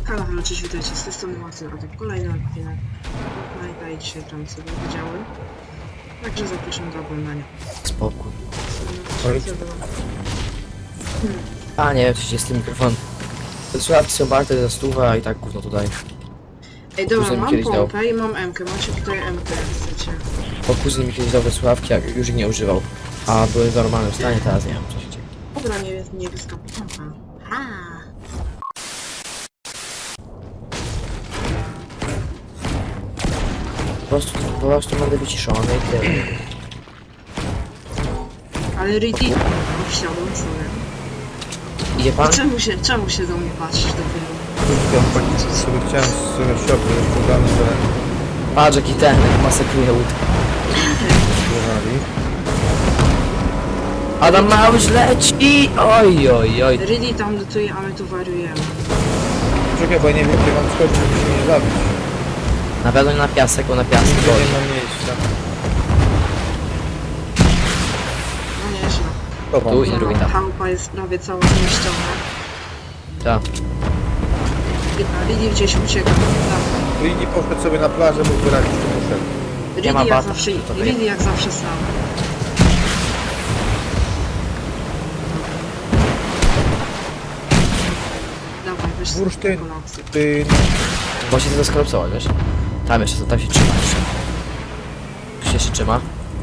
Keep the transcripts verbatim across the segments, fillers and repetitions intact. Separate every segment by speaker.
Speaker 1: Halo, halo, cześć, witajcie, z tej strony Marcel, a to kolejny odcinek Fortnite'a i dzisiaj tam sobie widziałem. Także zapraszam do oglądania.
Speaker 2: Spokój.
Speaker 1: Hmm.
Speaker 2: A nie, przecież jest ten mikrofon. Te słuchawki są warte za stówę, a i tak gówno tutaj.
Speaker 1: Ej, dobra,
Speaker 2: Kuzyn mi
Speaker 1: mam
Speaker 2: kiedyś dał.
Speaker 1: pompę i mam M-kę, macie tutaj M-kę, jak chcecie.
Speaker 2: Bo kuzyn mi kiedyś dał te słuchawki, jak już ich nie używał. A były w normalnym stanie, teraz nie wiem co się dzieje.
Speaker 1: Dobra, nie jest niebieska pompa. Ha!
Speaker 2: Po prostu, po prostu będę wyciszony i tyle.
Speaker 1: Ale Riddy... Wsiadłem sobie.
Speaker 2: Idzie pan?
Speaker 1: I czemu się, czemu się do mnie patrzysz dopiero?
Speaker 3: Ja powiedzieć sobie chciałem z sobie w środku, jest podany, że
Speaker 2: Patrz jaki ten, jak masakruje łód.
Speaker 3: zjewali.
Speaker 2: Adam Małysz leci! Oj, oj, oj.
Speaker 1: Riddy tam dotuje, a my tu wariujemy.
Speaker 3: Czekaj, bo ja nie wiem, gdzie mam skoczyć, żeby się nie zabić.
Speaker 2: Na pewno nie na piasek, bo na piasek
Speaker 3: Nigdzie
Speaker 2: boli.
Speaker 3: nie mam miejsca.
Speaker 1: No nieźle.
Speaker 3: Dobra,
Speaker 2: Tu i drugi tam.
Speaker 1: Chałupa jest prawie cała zmieszczona.
Speaker 2: Tak.
Speaker 1: A Riddy gdzieś ucieka. Tak.
Speaker 3: Lini poszedł sobie na plażę, mógł wyrazić, że poszedł.
Speaker 1: Riddy
Speaker 2: ma
Speaker 1: jak
Speaker 2: bata,
Speaker 1: zawsze,
Speaker 2: to wie.
Speaker 1: Riddy jak zawsze sam. Dawaj, weź sobie
Speaker 3: Bursztyn.
Speaker 1: kolację.
Speaker 3: Ty...
Speaker 2: Bo się to skolapsować, wiesz? Tam jeszcze, tam się trzyma jeszcze. Tu się jeszcze trzyma.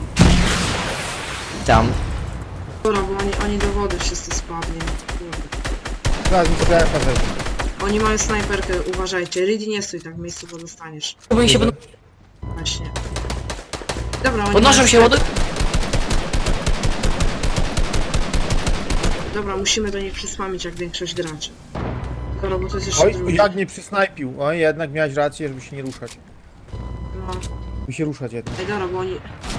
Speaker 2: Tam.
Speaker 1: Dobra, bo oni, oni do wody wszyscy spadli. Kurde.
Speaker 3: Zaraz mi to jak na zewnątrz.
Speaker 1: Oni mają snajperkę, uważajcie. Riddy nie stój tak w miejscu, bo dostaniesz.
Speaker 2: Bo oni się będą...
Speaker 1: Właśnie. Dobra, oni
Speaker 2: Podnoszą
Speaker 1: mają
Speaker 2: się, łody...
Speaker 1: Dobra, musimy do nich przysłamić jak większość graczy. Dobra, bo to jest jeszcze
Speaker 3: Oj,
Speaker 1: drugi.
Speaker 3: jak mnie przysnajpił. Oj, jednak miałeś rację, żeby się nie ruszać.
Speaker 1: No.
Speaker 3: By się ruszać jednak.
Speaker 1: Ej, dobra, bo oni...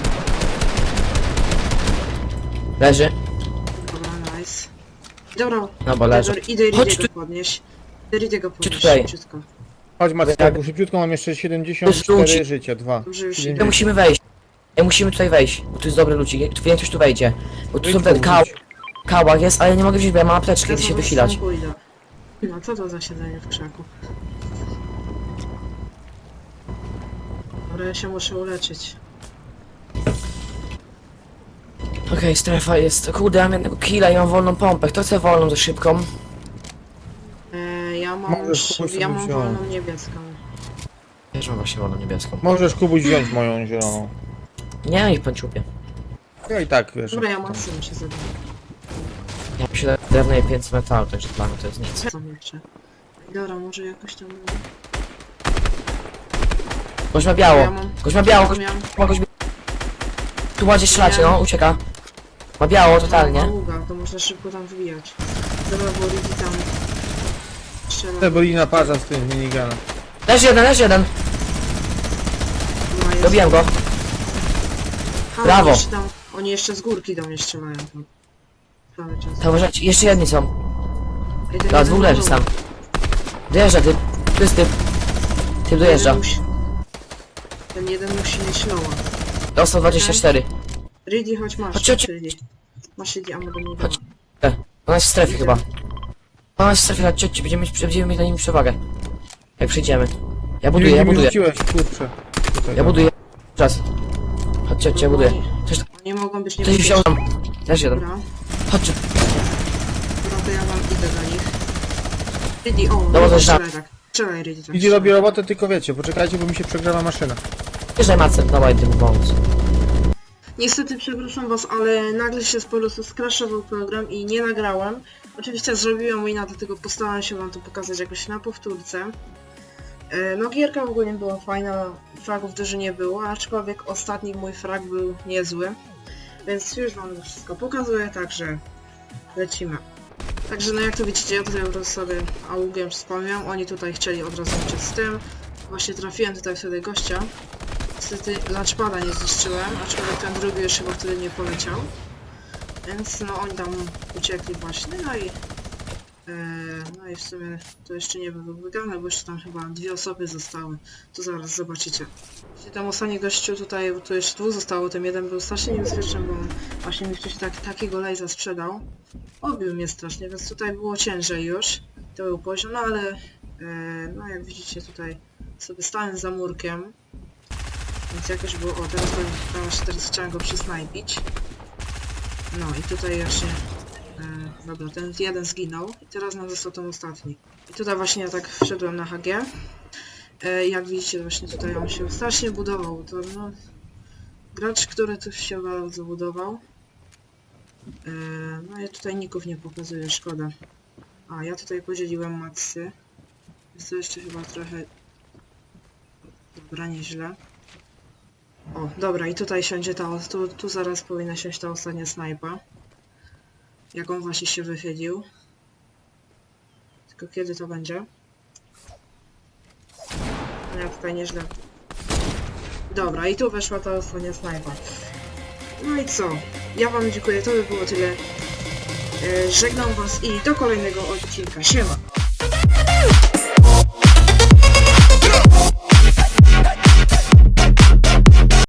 Speaker 2: Leży.
Speaker 1: Dobra, nice. Dobra,
Speaker 2: No bo leży.
Speaker 1: Idę, idę
Speaker 2: Chodź
Speaker 1: Riddiego
Speaker 2: tu.
Speaker 1: podnieść. Idę Riddiego podnieść,
Speaker 2: tutaj.
Speaker 1: szybciutko.
Speaker 3: Chodź Macku, szybciutko mam jeszcze siedemdziesiąt cztery życia, dwa.
Speaker 1: Dobrze, już
Speaker 2: My
Speaker 1: idę.
Speaker 2: musimy wejść. My musimy tutaj wejść, bo tu jest dobry ludzi. Większość tu wejdzie. Bo tu są
Speaker 3: Wyjdź
Speaker 2: ten kał...
Speaker 3: powiedzieć.
Speaker 2: Kałak jest, ale nie mogę wziąć, bo ja mam apteczkę, idę się
Speaker 1: Zaraz
Speaker 2: wychilać.
Speaker 1: tam pójdę. No co to za siedzenie w krzaku? Dobra, ja się muszę uleczyć.
Speaker 2: Okej, strefa jest. Kurde, ja mam jednego killa i mam wolną pompę. Kto chce wolną za szybką?
Speaker 1: Eee, ja mam,
Speaker 3: Możesz
Speaker 1: sz-
Speaker 3: kogoś
Speaker 1: ja mam
Speaker 3: sobie
Speaker 1: wolną
Speaker 3: wziąć.
Speaker 1: niebieską.
Speaker 2: Też mam właśnie wolną niebieską.
Speaker 3: Możesz Kubuś wziąć moją zieloną.
Speaker 2: Nie, ich panciupie.
Speaker 3: Ja i tak, wiesz.
Speaker 1: Dobra, ja mam syn się zabiję.
Speaker 2: Ja myślę, że drewno jest pięćset metalu, także dla mnie to jest nic.
Speaker 1: Co jeszcze? Dobra, może jakoś tam...
Speaker 2: Gość ma biało.
Speaker 1: Ja mam...
Speaker 2: Gość ma biało, gość
Speaker 1: miałem...
Speaker 2: ma gość... Tu ładzie strzelacie, no, ucieka. Ma biało totalnie.
Speaker 1: Ługa, to można szybko tam wbijać. Dobra, bo Riddy tam... Strzela.
Speaker 3: Te byli na parza z tym miniganem.
Speaker 2: Leży jeden, leży jeden.
Speaker 1: No, jest-
Speaker 2: Dobiłem go.
Speaker 1: Ha,
Speaker 2: Brawo.
Speaker 1: Jeszcze tam, oni jeszcze z górki do mnie strzelają tam. Cały czas.
Speaker 2: To uważajcie, jeszcze jedni są.
Speaker 1: Ej, ten
Speaker 2: Dobra,
Speaker 1: jeden
Speaker 2: dwóch leży
Speaker 1: był.
Speaker 2: sam. Dojeżdża typ. Tu jest typ. Typ
Speaker 1: Ten
Speaker 2: dojeżdża.
Speaker 1: jeden musi- Ten jeden musi mieć loła.
Speaker 2: Dostał dwadzieścia cztery.
Speaker 1: Riddy, chodź masz.
Speaker 2: Chodź, chodź.
Speaker 1: Riddy. Masz Riddy, a mogę mu
Speaker 2: Chodź.
Speaker 1: dać.
Speaker 2: Ona jest w strefie chyba. Ona jest w strefie, chodźcie, chodźcie, będziemy mieć, będziemy mieć na nim przewagę. Jak przyjdziemy. Ja buduję,
Speaker 3: Nie,
Speaker 2: ja
Speaker 3: nie
Speaker 2: buduję.
Speaker 3: rzuciłeś, kurczę. Tutaj,
Speaker 2: Ja
Speaker 3: no.
Speaker 2: buduję. Czas. Chodźcie, chodźcie, ja buduję. Coś,
Speaker 1: Oni mogą być
Speaker 2: coś wziął tam. Też jeden.
Speaker 1: Dobra,
Speaker 2: Chodźcie.
Speaker 1: dobra, to ja wam idę do nich. Riddy, o,
Speaker 2: Dobra,
Speaker 1: Riddy,
Speaker 2: to
Speaker 1: strzelaj tak. Strzelaj, Riddy, tak.
Speaker 3: Idzie robi robotę, tylko wiecie, poczekajcie, bo mi się przegrała maszyna.
Speaker 2: Wjeżdżaj Macem, dawaj tym pomóc.
Speaker 1: Niestety przepraszam was, ale nagle się po prostu skraszował program i nie nagrałem. Oczywiście zrobiłem wina, dlatego postarałem się wam to pokazać jakoś na powtórce. E, No gierka w ogóle nie była fajna, fragów dużo nie było, aczkolwiek ostatni mój frag był niezły. Więc już wam to wszystko pokazuję, także lecimy. Także no jak to widzicie, ja tutaj po prostu sobie augiem wspomniałem, oni tutaj chcieli od razu uciec z tym. Właśnie trafiłem tutaj wtedy gościa. Niestety launchpada nie zniszczyłem, aczkolwiek ten drugi już chyba wtedy nie poleciał. Więc no oni tam uciekli właśnie, no i... E, no i w sumie to jeszcze nie było wygrane, bo jeszcze tam chyba dwie osoby zostały. To zaraz zobaczycie. Jeśli tam ostatni gościu tutaj, tu jeszcze dwóch zostało, tym jeden był strasznie niebezpieczny, bo on właśnie mi wcześniej tak, takiego lejza sprzedał. Obił mnie strasznie, więc tutaj było ciężej już. To był poziom, no ale no jak widzicie tutaj sobie stałem za murkiem. Więc jakoś było... O, teraz, teraz, teraz chciałem go przysnajpić. No i tutaj właśnie... E, dobra, ten jeden zginął. I teraz nam został ten ostatni. I tutaj właśnie ja tak wszedłem na H G. E, jak widzicie, właśnie tutaj on się strasznie budował. To no... Gracz, który tu się bardzo budował. E, no ja tutaj ników nie pokazuję, szkoda. A, ja tutaj podzieliłem maksy. Jest to jeszcze chyba trochę... Dobra, nieźle. O, dobra, i tutaj siądzie ta... Tu, tu zaraz powinna siąść ta ostatnia snajpa. Jak on właśnie się wychylił. Tylko kiedy to będzie? No ja tutaj nieźle... Dobra, i tu weszła ta ostatnia snajpa. No i co? Ja wam dziękuję, to by było tyle. E, żegnam was i do kolejnego odcinka. Siema!